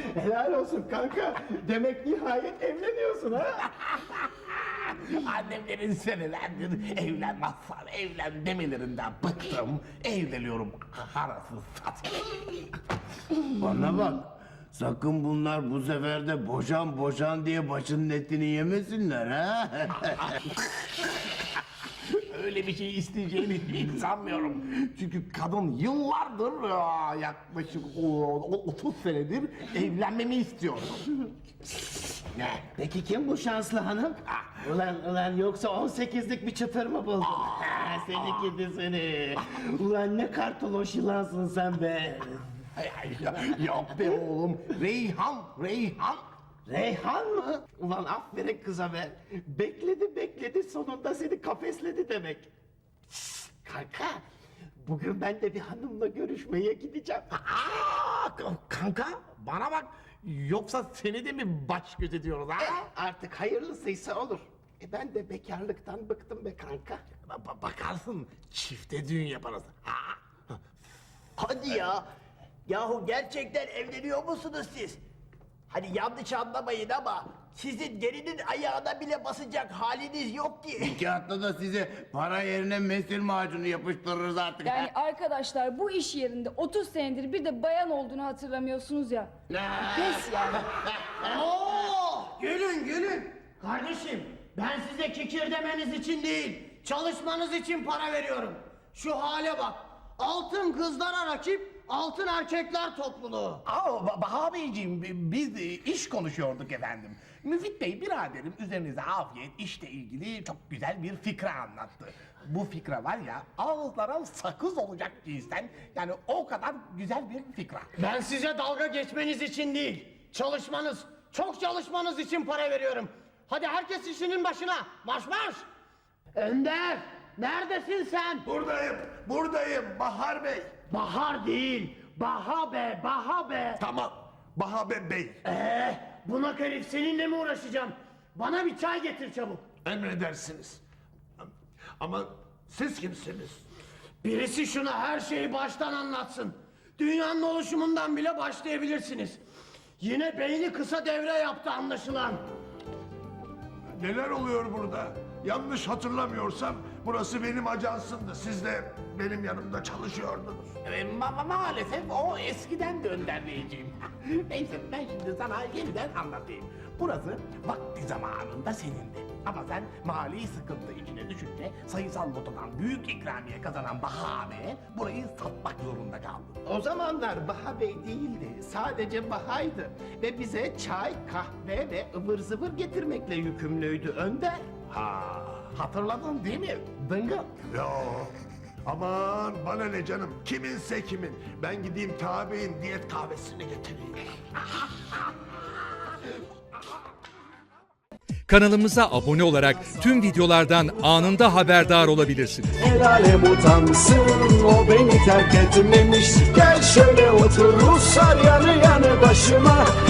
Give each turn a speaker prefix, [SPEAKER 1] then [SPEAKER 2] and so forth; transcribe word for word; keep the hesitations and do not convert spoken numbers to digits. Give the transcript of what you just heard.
[SPEAKER 1] Helal olsun kanka. Demek nihayet evleniyorsun ha?
[SPEAKER 2] Annemlerin senelerdir evlen Mazhar, evlen demelerinden bıktım. Evleniyorum arası satayım.
[SPEAKER 3] Bana bak. Sakın bunlar bu sefer de boşan boşan diye başının etini yemesinler ha.
[SPEAKER 2] Öyle bir şey isteyeceğini hiç sanmıyorum. Çünkü kadın yıllardır aa, yaklaşık o- otuz senedir evlenmemi istiyor. Ne?
[SPEAKER 1] Peki kim bu şanslı hanım? Ulan ulan yoksa on sekizlik bir çıtır mı buldun? Ha, seni gidi seni. Ulan ne kartoloş yılansın sen be.
[SPEAKER 2] Ay, ay, Yok be oğlum. Reyhan, Reyhan.
[SPEAKER 1] Reyhan mı? Ulan aferin kıza be. Bekledi bekledi sonunda seni kafesledi demek. Şşt, kanka bugün ben de bir hanımla görüşmeye gideceğim.
[SPEAKER 2] Aa, kanka bana bak. Yoksa seni de mi baş göz ediyoruz ha?
[SPEAKER 1] Artık hayırlısıysa olur. E ben de bekarlıktan bıktım be kanka.
[SPEAKER 2] Ba- ba- bakarsın çifte düğün yaparız. Ha?
[SPEAKER 4] Hadi ya. Yahu gerçekten evleniyor musunuz siz? Hani yanlış anlamayın ama sizin gelinin ayağına bile basacak haliniz yok ki.
[SPEAKER 3] Kağıtta da size para yerine mesil macunu yapıştırırız artık.
[SPEAKER 5] Yani arkadaşlar bu iş yerinde otuz senedir bir de bayan olduğunu hatırlamıyorsunuz ya. Pes yani.
[SPEAKER 4] Oo, gülün gülün. Kardeşim ben size kikir demeniz için değil, çalışmanız için para veriyorum. Şu hale bak. Altın kızlara rakip, altın erkekler topluluğu.
[SPEAKER 2] Aa, Ba- Baha Beyciğim bi- biz e, iş konuşuyorduk efendim. Müfit Bey biraderim üzerinize afiyet işle ilgili çok güzel bir fikra anlattı. Bu fikra var ya ağızlara sakız olacak cinsten, yani o kadar güzel bir fikra.
[SPEAKER 4] Ben size dalga geçmeniz için değil, çalışmanız, çok çalışmanız için para veriyorum. Hadi herkes işinin başına, marş marş! Önder, neredesin sen?
[SPEAKER 2] Buradayım, buradayım Bahar Bey.
[SPEAKER 4] Bahar değil, Baha be, Baha be!
[SPEAKER 2] Tamam, Baha Bey Bey.
[SPEAKER 4] Ee, bunak herif seninle mi uğraşacağım? Bana bir çay getir çabuk.
[SPEAKER 2] Emredersiniz. Ama siz kimsiniz?
[SPEAKER 4] Birisi şuna her şeyi baştan anlatsın. Dünyanın oluşumundan bile başlayabilirsiniz. Yine beyni kısa devre yaptı anlaşılan.
[SPEAKER 6] Neler oluyor burada? Yanlış hatırlamıyorsam burası benim ajansımdı. Siz de benim yanımda çalışıyordunuz.
[SPEAKER 2] E, ma- ma- maalesef o eskiden de Önder Beyciğim. Neyse ben şimdi sana yeniden anlatayım. Burası vakti zamanında senindi. Ama sen mali sıkıntı içine düşünce sayısal lotodan büyük ikramiye kazanan Baha Bey'e burayı satmak zorunda kaldın.
[SPEAKER 1] O zamanlar Baha Bey değildi. Sadece Baha'ydı. Ve bize çay, kahve ve ıvır zıvır getirmekle yükümlüydü Önder.
[SPEAKER 2] Ha, hatırladın değil mi? Dıngıl.
[SPEAKER 6] Yo. Aman bana ne canım. Kiminse kimin. Ben gideyim tabi'in diyet kahvesini getireyim.
[SPEAKER 7] Kanalımıza abone olarak tüm videolardan anında haberdar olabilirsiniz.
[SPEAKER 8] El alem utansın, o beni terk etmemiş. Gel şöyle otur Ruslar yanı yanı başıma.